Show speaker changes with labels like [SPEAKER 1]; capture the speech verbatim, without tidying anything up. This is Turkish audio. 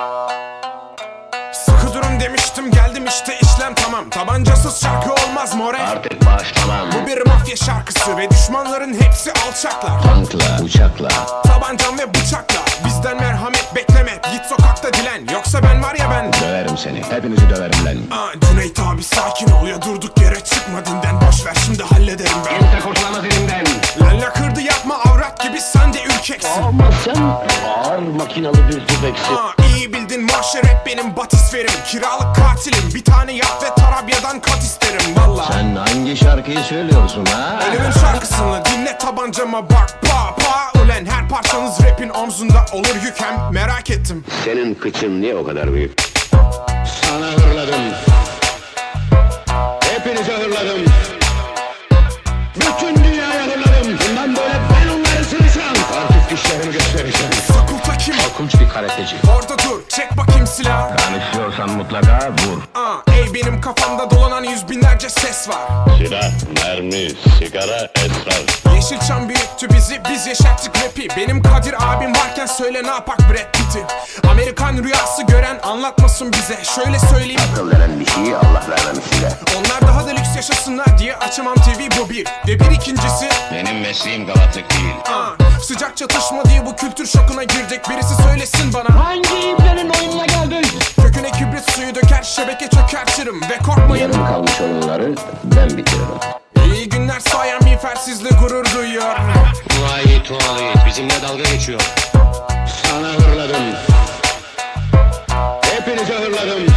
[SPEAKER 1] Sıkı durun demiştim, geldim işte, işlem tamam. Tabancasız şarkı olmaz more.
[SPEAKER 2] Artık başlamam.
[SPEAKER 1] Bu bir mafya şarkısı ve düşmanların hepsi alçaklar.
[SPEAKER 2] Tankla, uçakla,
[SPEAKER 1] Tabancam ve bıçakla, bizden merhamet bekleme. Git sokakta dilen, yoksa ben var ya ben.
[SPEAKER 2] döverim seni, hepinizi döverim lan.
[SPEAKER 1] Aa, Cüneyt abi sakin ol ya, durduk yere çıkma dinden. Boş ver şimdi hallederim ben.
[SPEAKER 2] Kimse kurtulamaz elimden.
[SPEAKER 1] Lalla kırdı yapma, avrat gibi sen de ürkeksin.
[SPEAKER 2] Ama sen ağır makinalı bir tüfeksin.
[SPEAKER 1] Aa, iyi bildin mahşer hep benim batisferim. Kiralık katilim, bir tane yap ve Tarabya'dan kat isterim valla.
[SPEAKER 2] Sen hangi şarkıyı söylüyorsun ha?
[SPEAKER 1] Ölümün şarkısını dinle, tabancama bak pa pa. Ulen her parçanız rapin omzunda olur yük, hem merak ettim.
[SPEAKER 2] Senin kıçın niye o kadar büyük? Sana hırladım. Hepinize hırladım. Bütün dünyaya hırladım. Bundan böyle ben onları sıracağım. Artık dişlerimi göstereceğim.
[SPEAKER 1] Sakulta kim?
[SPEAKER 2] Korkunç bir karateci.
[SPEAKER 1] Orada dur, çek bakayım silahı.
[SPEAKER 2] Tanışıyorsan mutlaka vur.
[SPEAKER 1] Aa, ey benim kafamda dolanan yüz binlerce ses var.
[SPEAKER 3] Silah, mermi, sigara, esrar.
[SPEAKER 1] Yeşilçam büyüttü bizi, biz yaşattık rapi. Benim Kadir abim varken söyle ne yapak Brad Pitt'i. Amerikan rüyası gören anlatmasın bize. Şöyle söyleyeyim,
[SPEAKER 2] Akıl veren bir şeyi Allah vermemiş size.
[SPEAKER 1] onlar daha da lüks yaşasınlar diye açamam T V, bu bir. Ve bir ikincisi,
[SPEAKER 3] Benim mesleğim galatlık değil.
[SPEAKER 1] aa, sıcak çatışma diye bu kültür şokuna girdik. Birisi söylesin bana,
[SPEAKER 2] Hangi iplerin oyununa geldin?
[SPEAKER 1] köküne kibrit suyu döker, şebeke çökertirim. Ve korkmayın,
[SPEAKER 2] Yarım kalmış oyunları ben bitiririm.
[SPEAKER 1] iyi günler sayan miğfersizle gurur duyuyor.
[SPEAKER 3] Vay tuvalet bizimle dalga geçiyor.
[SPEAKER 2] Sana hırladım. Hepinize hırladım.